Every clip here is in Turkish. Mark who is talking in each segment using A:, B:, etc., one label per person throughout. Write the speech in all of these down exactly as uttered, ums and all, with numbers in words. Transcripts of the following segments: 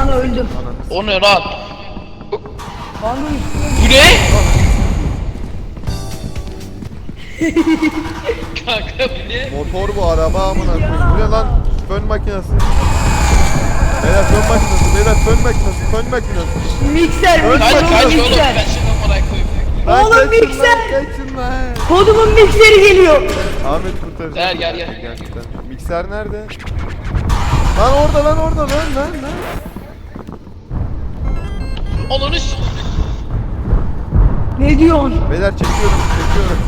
A: Lan öldüm.
B: O ne lan?
A: Kanka
B: Bu ne? Kanka bu ne?
C: Motor bu, araba amına koyayım. Bu ne lan? Fön makinesi. Beyler fön makinesi, beyler fön makinesi, fön makinesi.
A: mikser
C: Öl-
B: Kaç
A: mikser
B: kaç
A: oğlum
B: oğlum
A: mikser.
B: kaçın amına koyayım.
C: Lan
A: Oğlum
C: kaçın
A: mikser.
C: lan, kaçın lan.
A: Kodumun mikseri geliyor.
C: Ahmet kurtaracak.
B: Gel, gel, gel.
C: Gerçekten. Mikser nerede? Lan orada lan orada lan lan lan.
B: Ananı s-
A: Ne diyorsun?
C: Beyler çekiyorum çekiyorum.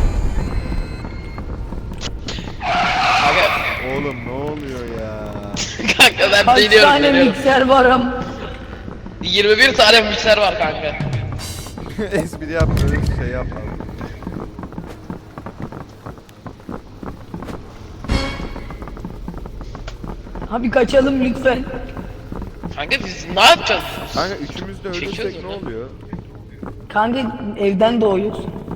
B: Kanka,
C: Oğlum ne oluyor ya?
B: kanka ben
A: Kaç
B: deniyorum
A: tane
B: deniyorum.
A: mikser var am?
B: yirmi bir tane mikser var kanka.
C: Espri yapma, öyle bir şey yapma.
A: Abi kaçalım lütfen.
B: Kanka biz ne yapacağız?
C: Kanka üçümüz de ölürsek
B: Çekiyoruz
C: ne
B: ya.
C: oluyor?
A: Kanka evden doğuyoruz.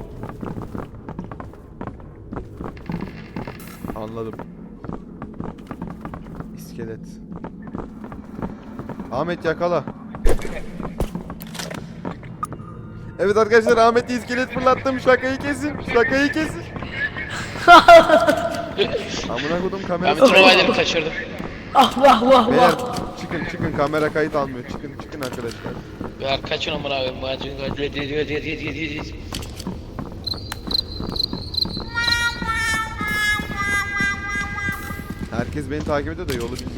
C: Anladım. İskelet. Ahmet yakala. Evet arkadaşlar, Ahmet'i iskelet fırlattım. Şakayı kesin. Şakayı kesin. Amına kodum
B: Ben
C: kamerası.
B: bütün olayları kaçırdım.
C: Oh.
A: Ah vah vah
C: Beyler
A: vah.
C: çıkın çıkın, kamera kayıt almıyor. Çıkın çıkın arkadaşlar.
B: Ya kaçın amına koyayım. Bacın
C: Herkes beni takip ediyor da yolu bilmiyor.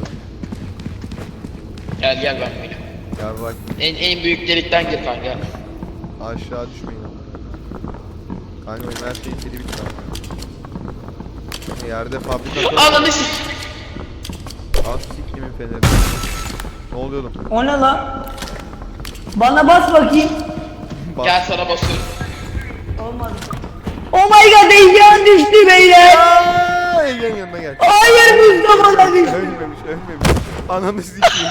B: Gel gel ben böyle.
C: Ya bak
B: En en büyük delikten gir kanka.
C: aşağı düşmeyin ama. Kanka benim her şeyi kedi bitti ama. Yerde fabrikatör.
B: Ananı s-
C: Az siktimin feneri. Ne oluyor oğlum?
A: O ne lan? Bana bas bakayım.
C: Bak.
B: Gel sana basıyorum.
A: Olmadı. Oh my god, Egen düştü beyler.
C: Aaa! Egen yanına gel.
A: Hayır Mustafa da düştü.
C: Ölmemiş, ölmemiş. Ananı sikeyim.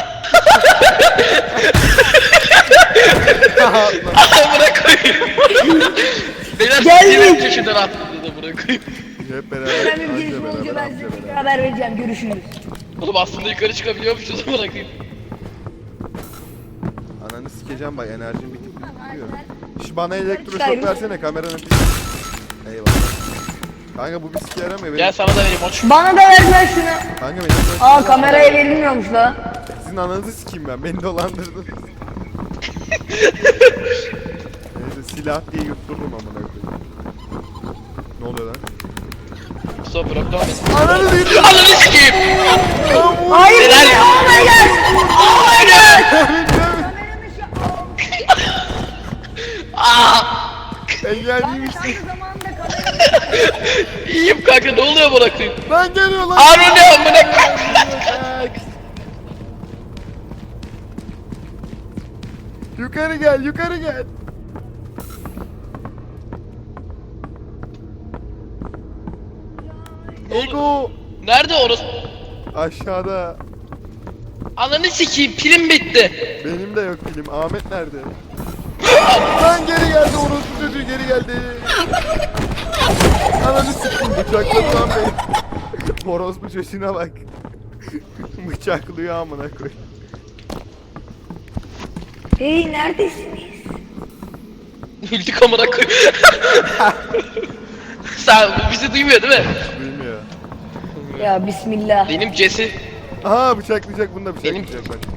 B: Amına koyayım. Beyler
A: Geldik.
B: yirmi köşeden attım da bırakayım.
C: Hep beraber.
A: Ben bir
C: anca
A: gelişme olunca
C: beraber,
A: ben
C: anca
A: size
C: beraber.
A: haber vereceğim. Görüşürüz.
B: Oğlum aslında yukarı çıkabiliyormuşuz bırakayım.
C: Ananı sikeceğim bak, enerjim bitip gidiyor. Şu bana elektroşok
A: Çıkayım.
C: versene, kameranın pili. Eyvallah. Kanka bu bir sike yaramıyor. Benim...
B: Gel sana da vereyim aç.
A: Bana da ver lan şunu.
C: Kanka benim...
A: Aa kameraya verilmiyormuş la.
C: Sizin ananızı sikeyim ben, beni dolandırdın. Neyse, silah diye yutturdum amına koyayım. Ne oluyor lan?
B: Mustafa bırak devam et.
C: Ananı sikeyim.
B: Ananı sikeyim.
A: Hayır.
B: Helal.
A: Oh my god. Oh my god.
B: Aa!
C: Engelliymişsin.
B: İyiyim kanka ne oluyor bırakayım?
C: Lan geliyor lan.
B: Aa ne amına koyayım?
C: Yukarı gel, yukarı gel. Ego.
B: Nerede orası?
C: Aşağıda.
B: Ananı sikeyim pilim bitti.
C: Benim de yok film. Ahmet nerede? Lan geri geldi, orospu çocuğu geri geldi. Ananı sikeyim, bıçakladı lan beni. Orospu çocuğuna bak. Bıçaklıyor amına koy.
A: Hey neredesiniz?
B: Öldük amına koyayım. Sen bu bizi duymuyor değil mi?
C: Bilmiyor.
A: Ya bismillah.
B: Benim Cesi.
C: Aha bıçaklayacak, bunu da
B: Benim-
C: bıçaklayacak bak.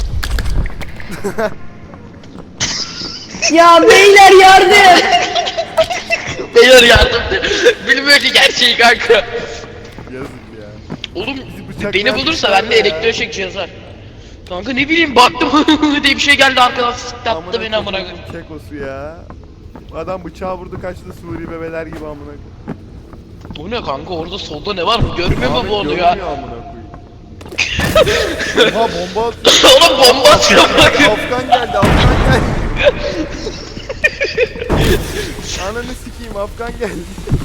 A: Ya beyler yardım.
B: Beyler yardım. Bilmiyor ki gerçeği kanka.
C: Yazık ya.
B: Oğlum
C: bıçaklayan
B: beni bulursa
C: kişiler
B: bende
C: ya.
B: elektroşek cihaz var. Kanka ne bileyim baktım diye bir şey geldi arkadan sıktı attı beni amına koyayım.
C: koyayım, kekosu ya. Adam bıçağı vurdu, kaçtı Suri bebeler gibi amına koyayım.
B: Bu ne kanka orada solda ne var mı görmüyor mu
C: Ahmet
B: bu onu
C: görmüyor
B: ya?
C: amına koyayım. Oha bomba attı.
B: Oğlum bomba atıyor amına koyayım.
C: Afgan geldi, Afgan geldi. Ananı sikeyim, Afgan geldi.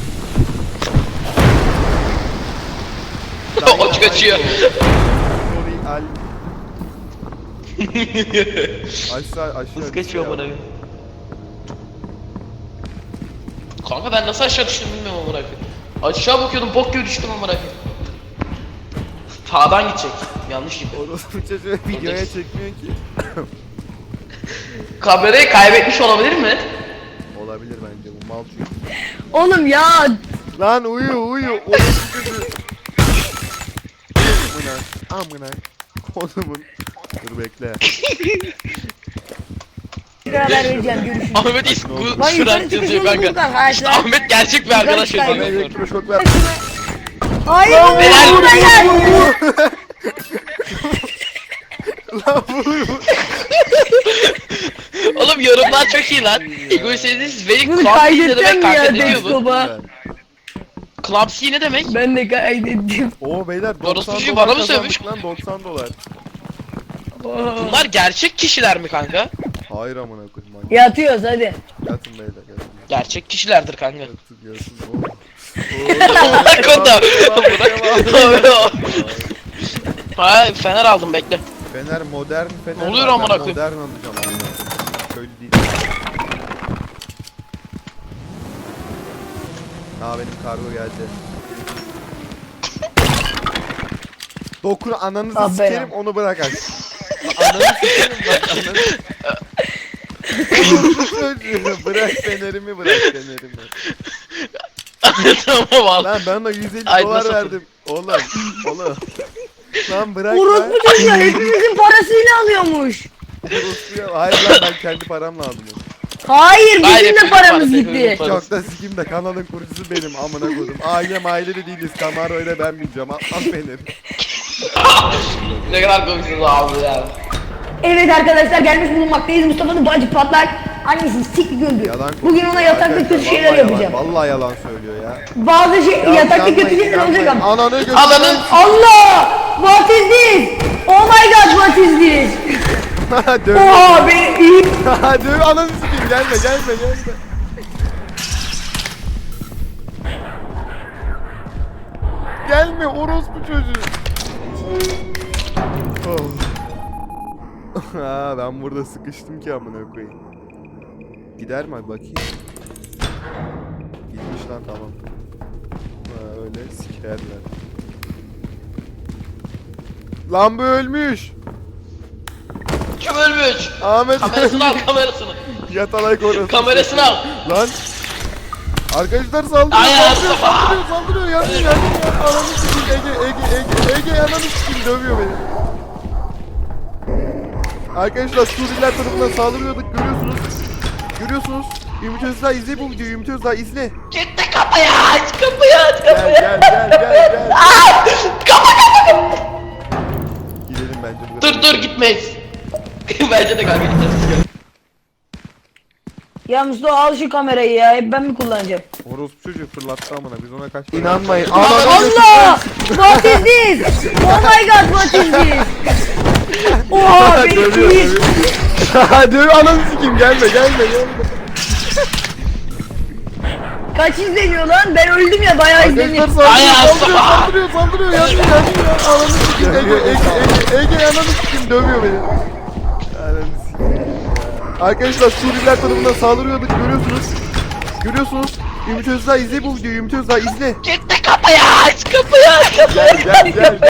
B: Aç kaçıyor.
C: Sorry al. Aşağı aşağı.
B: Hız kaçıyor amına koyayım. Kanka ben nasıl aşağı düştüm bilmiyorum amına koyayım. Aşağı bakıyordum bok gibi düştüm amına koyayım. Sağdan gidecek. yanlış gibi.
C: Orospu çocuğu videoya çekmiyor ki.
B: Kamerayı kaybetmiş olabilir mi?
C: Olabilir bence bu mal çünkü.
A: Oğlum ya.
C: Lan uyu uyu. Orospu çocuğu. Amına. Amına. Kodumun. Dur bekle.
A: Haber vereceğim, görüşürüz.
B: Ahmet is bu
A: Lan yukarı
B: sürat
A: çıkış
B: yazıyor
A: yolu bulduk
B: kanka.
A: arkadaşlar.
B: İşte Ahmet gerçek bir arkadaş
A: çıkar.
C: Bana
B: yazıyor.
C: elektroşok ver.
A: Hayır bu
B: Helal
A: buraya gel.
C: Lan vur vur.
B: Oğlum yorumlar çok iyi lan. Egoistiniz very
A: Bunu
B: clumsy ne
A: kaydedeceğim
B: demek
A: mi
B: kanka
A: ya
B: ne diyor bu?
A: desktopa?
B: Clumsy ne demek?
A: Ben de kaydettim.
C: Oo beyler
B: Orospu
C: doksan
B: çocuğu
C: dolar
B: bana mı
C: kazandık
B: sövmüş?
C: lan doksan dolar.
B: Bunlar gerçek kişiler mi kanka?
C: Hayır amına koyayım. Manyak.
A: Yatıyoruz hadi.
C: Yatın beyler yatın.
B: Gerçek kişilerdir kanka.
C: Yatın yatın. Oo.
B: Bırak onu da.
C: Devam, devam.
B: Ha fener aldım bekle.
C: Fener modern fener.
B: Ne oluyor
C: var.
B: amına
C: Ben
B: koyayım?
C: Modern alacağım amına koyayım. Köylü değil. Aa benim kargo geldi. Dokun ananızı
A: Ah be
C: sikerim
A: ya.
C: onu bırak aç. Ananı sikerim bak ananı. Orospu çocuğu, bırak fenerimi bırak fenerimi.
B: Tamam al.
C: Lan ben ona yüz elli
B: Ay,
C: dolar
B: nasıl
C: verdim. Oğlum oğlum. Lan bırak lan.
A: Orospu çocuğu hepimizin parasıyla alıyormuş.
C: Orospu ya. Hayır lan ben kendi paramla aldım onu.
A: Hayır
B: Hayır,
A: bizim de
B: hepimizin
A: paramız
B: parası,
A: gitti.
B: hepimizin parası.
C: Çok da sikim de kanalın kurucusu benim amına koydum. Ailem aile de değiliz. Camaro ile ben bineceğim. Al, al beni.
B: Ne kadar komiksiniz abi ya.
A: Evet arkadaşlar gelmiş bulunmaktayız. Mustafa'nın bacı patlak. Annesi sik güldü.
C: Yalan
A: Bugün ona yatakta kötü şeyler
C: Vallahi
A: yapacağım.
C: Yalan, vallahi yalan söylüyor ya.
A: Bazı şey yatakta kötü şeyler olacak ama.
C: Ananı götür.
B: Ananın
A: Allah! What is this? Oh my god what is this?
C: Döv.
A: Oha beni iyi.
C: Döv ananı sikeyim gelme gelme gelme. Gelme orospu çocuğu. Oh. Ha, ben burada sıkıştım ki amına koyayım. Gider mi bakayım? Gitmiş lan tamam. Ha, öyle sikerler. Lan bu ölmüş.
B: kim ölmüş?
C: Ahmet
B: Kamerasını al kamerasını.
C: Yatalak orası.
B: Kamerasını al.
C: Lan. Arkadaşlar saldırıyor,
B: Ay,
C: saldırıyor,
B: Mustafa.
C: saldırıyor, saldırıyor, yanıyor, yanıyor, yanıyor. Ananı sikeyim, Ege, Ege, Ege, Ege ananı sikeyim, dövüyor beni. Arkadaşlar Suriyeliler tarafından saldırıyorduk, görüyorsunuz. Görüyorsunuz. Ümit Özdağ izle bu videoyu, Ümit Özdağ izle.
B: Gitti kapıyı aç kapıyı aç
C: Gel,
B: kapıyı.
C: gel, gel, gel, gel.
B: Aa! Kapa kapa kapa.
C: Gidelim bence bu
B: Dur dur gitmeyiz. Bence de kanka gideriz.
A: Ya Mustafa al şu kamerayı ya. Hep ben mi kullanacağım?
C: Orospu çocuğu fırlattı amına, biz ona kaç İnanmayın.
A: Allah! What is this? Oh my god what is this? Oha beni
C: Dövüyor,
A: iyi.
C: dövüyor. Dövüyor, ananı sikeyim, gelme, gelme, gelme.
A: Kaç izleniyor lan? Ben öldüm ya bayağı
C: Arkadaşlar
A: izleniyor.
C: saldırıyor,
B: Ay,
C: saldırıyor,
B: Mustafa.
C: saldırıyor, saldırıyor, yanıyor, yanıyor. Ananı sikeyim, Ege, Ege, Ege, Ege ananı sikeyim, dövüyor beni. Ananı sikeyim. Arkadaşlar Suriyeliler tarafından saldırıyorduk, görüyorsunuz. Görüyorsunuz. Ümit Özdağ izle bu videoyu, Ümit Özdağ izle.
B: Gitti kapıyı aç kapıyı aç kapıyı.
C: Gel, gel, gel.